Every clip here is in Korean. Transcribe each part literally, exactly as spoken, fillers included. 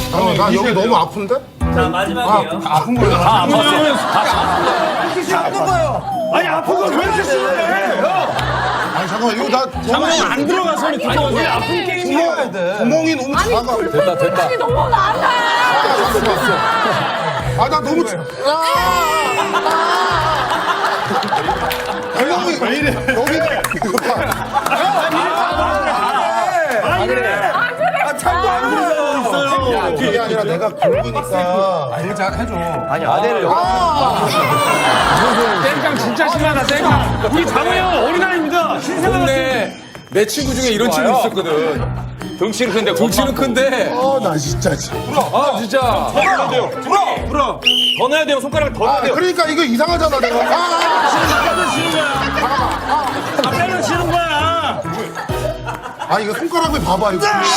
어, 나 여기 너무 아픈데? 자 마지막이에요. 아픈 거야. 다 안 봤어. 아픈 거요. 아니 아픈 걸 왜 이렇게 싫어해? 아니 잠깐만 이거 나 장난 안 들어가 손이 두꺼워서. 아픈 게임이야. 구멍이 너무 작아. 됐다 됐다. 너무 많아. 아 나 너무 작- 구멍이 왜 이래? 여기가 이거 봐. 아 그래. 아 참고 안 그러잖아. 야, 그게 아니라 내가 굵으니까. 아니 잘 해줘. 아니 아대를 여기. 땡깡 진짜 심하다 땡깡. 우리 장우 형 어린아이입니다. 근데 내 친구 중에 이런 친구 있었거든. 덩치는 큰데 덩치는 큰데. 아 나 진짜. 진짜. 아 진짜. 불어 돼요. 불어 불어. 더 넣어야 돼요. 손가락 더 넣어야 아, 돼요. 그러니까 이거 이상하잖아 내가. 아, 아 때려 치는 거야. 아 이거 손가락을 봐봐 이거. 아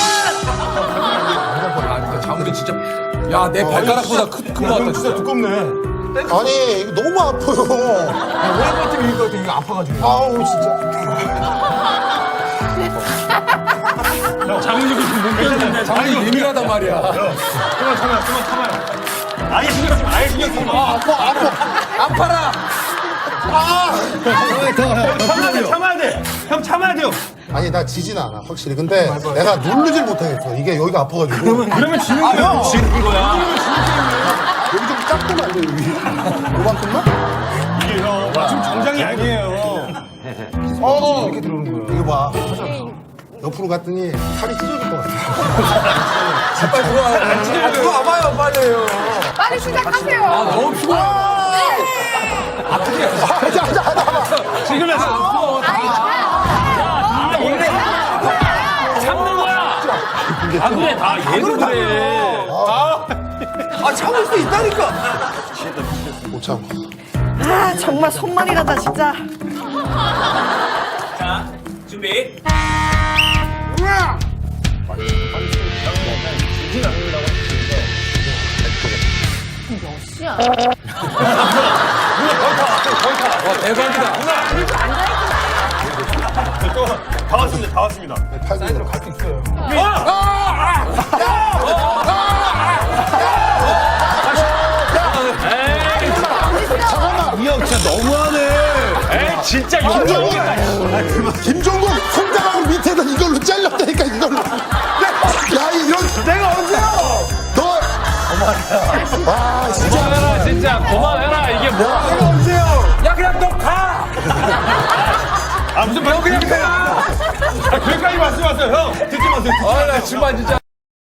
근데 장훈이 진짜. 야 내 발가락보다 큰거 같다 진짜. 두껍네. 아니 이거 너무 아파요. 오래 버티면 이거 이거 아파가지고. 아우 진짜. 장훈이 지금 못 견딘데. 장훈이 예민하단 말이야. 그만 참아요. 그만 참아요. 아예 신경 쓰지 마. 아예 신경 쓰지 마. 아파 아파. 아파라. 참아야 돼. 참아야 돼. 형 참아야 돼요. 아니 나 지진 않아 확실히. 근데 내가 누르질 못하겠어. 이게 여기가 아파가지고. 그러면 지는 거야. 지는 거야. 여기 좀 작구만 여기. 요만큼만? 이게 형 지금 정장이 아니에요. 어 이렇게 들어오는 거야. 이거 봐. 옆으로 갔더니 살이 찢어질 것 같아. 빨리 들어와. 아 그거 아파요 빨리요. 빨리 시작하세요. 아 너무 피곤해. 지금 해서. 참는 거야. 아 그래 다 얘도 그래. 아 참을 수 있다니까. 못 참아. 아 정말 손만이 가다 진짜. 자 준비. 와 대박이다. 다 왔습니다. 다 왔습니다. 사이드로 갈 수 있어요. 잠깐만. 이형 진짜 너무하네. 에이 진짜 김종국! 용병. 김종국 손가락으로 밑에다 이걸로 잘렸다니까 이걸로. 야 이런 내가 언제요? 너. 와 진짜. 그만해라 진짜 그만해라 이게 뭐야. 내가 언제요? 야 그냥 너 가. 아 무슨 형 그냥 가. 아, 거기까지 말씀하세요 형. 듣지 마세요. 아나 정말 진짜.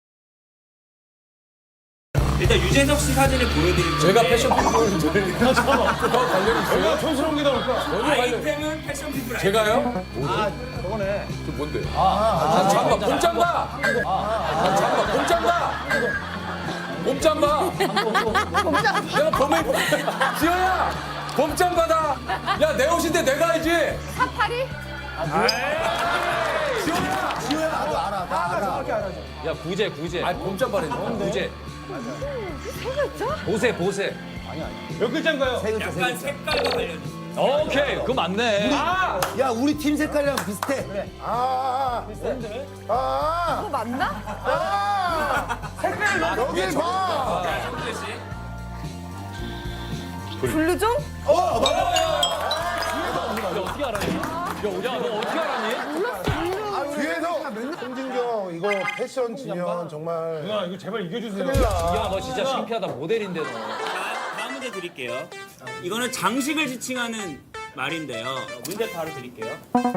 일단 유재석 씨 사진을 보여드릴 제가 건데 패션 피플을 들으니까 관련이 있어요? 촌스러운 게 나올까? 아이템은 패션 피플 아이템. 제가요? 아 저거네. 그 뭔데? 아 잠깐만 봄잠바. 아 잠깐만 봄잠바. 봄잠바. 내가 봄에 입고. 지호야 봄잠바다. 야 내 옷인데 내가 알지? 사파리? 야 구제 구제. 아 봄잠바래 너. 구제. 새가 있죠? 보세 보세. 몇 글자인가요? 약간 색깔과 관련이 오케이 그거 맞네. 아 야 우리 팀 색깔이랑 비슷해. 그래. 아. 아. 그거 맞나? 여기 봐. 성재 씨. 블루종? 어떻게 알았니? 야너 어떻게 알았니? 뒤에서 홍진경 이거 패션 지면 정말 누나 이거 제발 이겨주세요. 큰일 나. 야너 진짜 창피하다 모델인데 너. 자, 다음 문제 드릴게요. 이거는 장식을 지칭하는 말인데요. 문제 바로 드릴게요.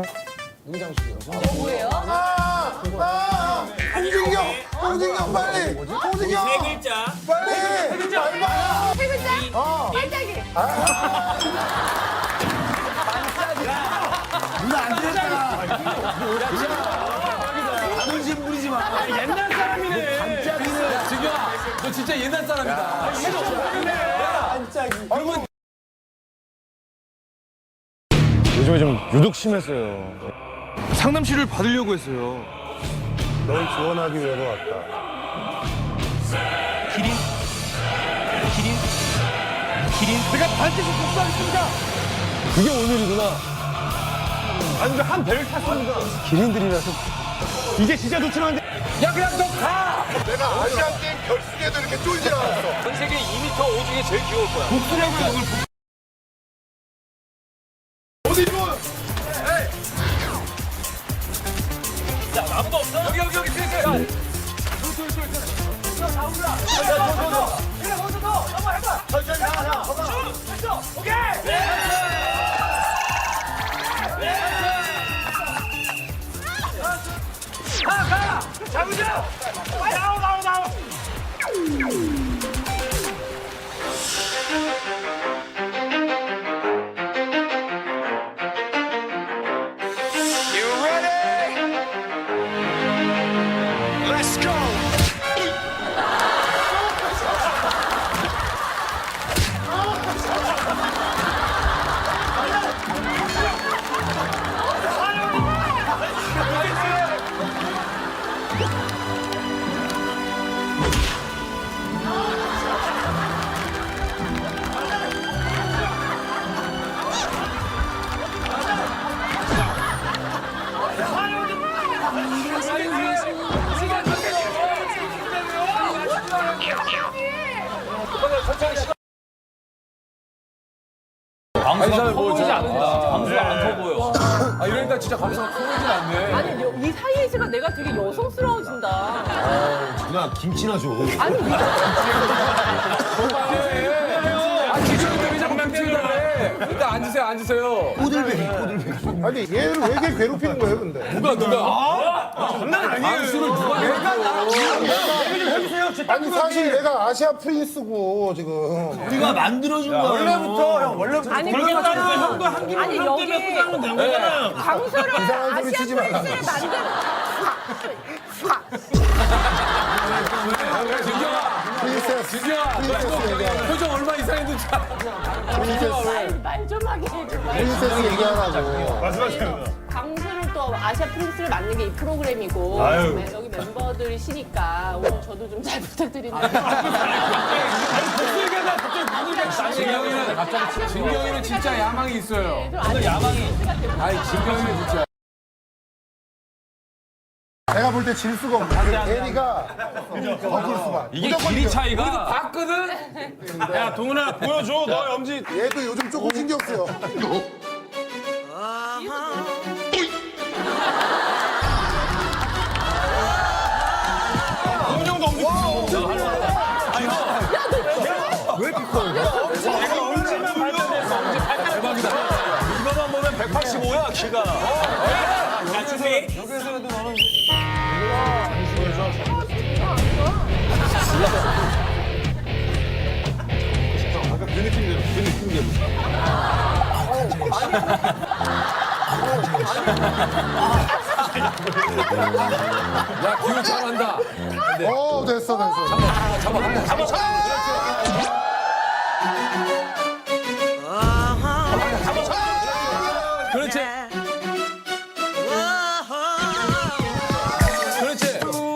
뭐예요? 아, 아, 홍진경, 홍진경 빨리, 홍진경 세 글자. 빨리. 세 글자 얼마? 세 글자? 어. 반짝이. 누나 안 되잖아. 자존심 부리지 마. 옛날 사람이네. 반짝이는 지규야 너 진짜 옛날 사람이다. 반짝이. 요즘에 좀 유독 심했어요. 상담실을 받으려고 했어요. 널 지원하기 위해서 왔다. 기린. 기린. 기린. 제가 반드시 복수하겠습니다. 그게 오늘이구나. 아니, 한 배를 탔습니다. 기린들이라서 이게 진짜 놓치는데. 야 그냥 너 가. 내가 아시안 게임 결승에도 이렇게 쫄지 않았어. 전 세계 이 미터 오 중에 제일 귀여울 거야. 어디 좋아? 아무도 없어? 여기 여기 여기 뒤에 있어요. 광수가 커보이지 않는다. 광수가 안 커 보여. 아 이러니까 진짜 감사가 커보진 않네. 아니 여- 이 사이에 있으니까 내가 되게 여성스러워진다. 누나 김치나 줘. 아니 이거 아 지금 왜 자꾸 맹팅을 해? 일단 앉으세요 앉으세요. 꼬들배기, 꼬들배기. 아니 얘를 왜 이렇게 괴롭히는 거예요, 근데? 누가 누가? 장난 아니에요. 광수를 누가 내가 나 아니 사실 얘가 아시아 프린스고 지금. 우리가 만들어준 거야. 원래부터 형 원래부터 아니 그렇게 그러니까 따지면 형도 한 김에 아니, 형 여기- 때문에 포장은 된 거잖아요. 광수를 이상한 소리 아시아 치지 말라. 프린스를 만든 진경아 프린세스. 진경아 프린세스 얘기하라. 표정 얼마 이상했는지 프린세스. 말 좀 하게 해줘. 말. 프린세스 얘기하라고. 말씀하세요. 광수를 또 아시아 프린스를 만든 게 이 프로그램이고 아유. 네, 여기 멤버들이시니까 오늘 저도 좀 잘 부탁드리는데. 진경이는 진경이는 진짜 야망이 있어요. 오늘 야망이. 아니 진경이는 진짜. 내가 볼 때 질 수가 없어. 대리가 더 수만. 이게 길이 차이가. 봤거든? 야 동훈아 보여줘. 너 엄지. 얘도 요즘 조금 신경 쓰여. 동훈 형도 엄지. 왜 비커? 내가 엄지만 발전했어. 엄지 발전. 대박이다. 이거만 보면 백팔십오야 키가. 자 준비. 아까 그 느낌대로, 그 느낌대로. 야 기운 잘한다. 어, 됐어, 됐어. 그렇지. 그렇지.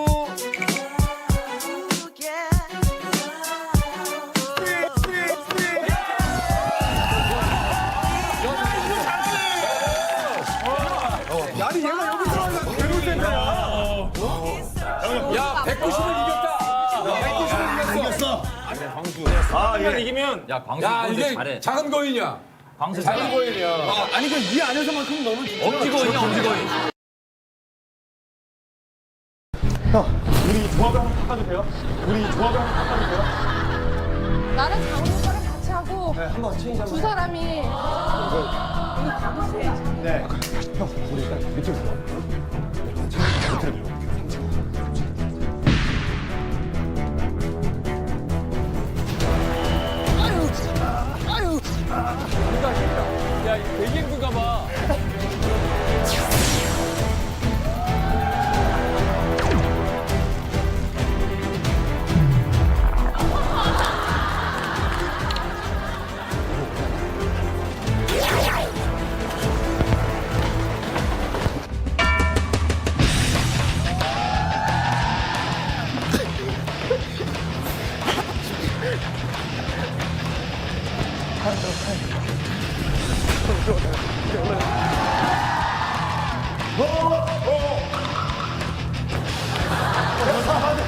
아니 얘가 여기 들어가서 괴롭힌다. 야 백구십을 이겼다. 백구십을 이겼어. 아 이걸 이기면 야 광수 야 근데 이게 잘해. 작은 거인이야. 광수 작은 잘해. 거인이야. 아니 그이 안에서만큼 너무 엄지 거인이야 엄지 거인. 우리 조합을 한번 바꿔주세요. 우리 조합을 한번 바꿔주세요. 나는 장훈 오빠랑 같이 하고 한번 체인지 한번. 두 사람이 네. 야 되게 힘든가 봐.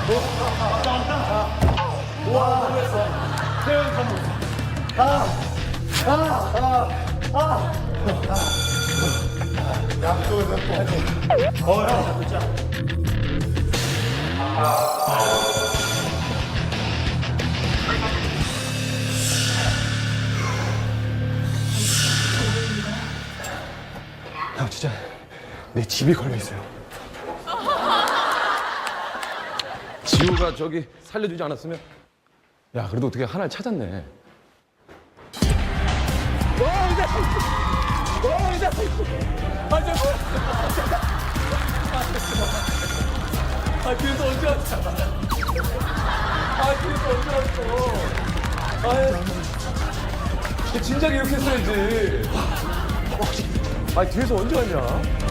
형 진짜 내 집이 걸려 있어요. 지우가 저기 살려주지 않았으면 야 그래도 어떻게 하나를 찾았네. 아 그래서 언제 왔어? 아 그래서 언제 왔어? 아 진작에 이렇게 했어야지. 아 뒤에서 언제 왔냐?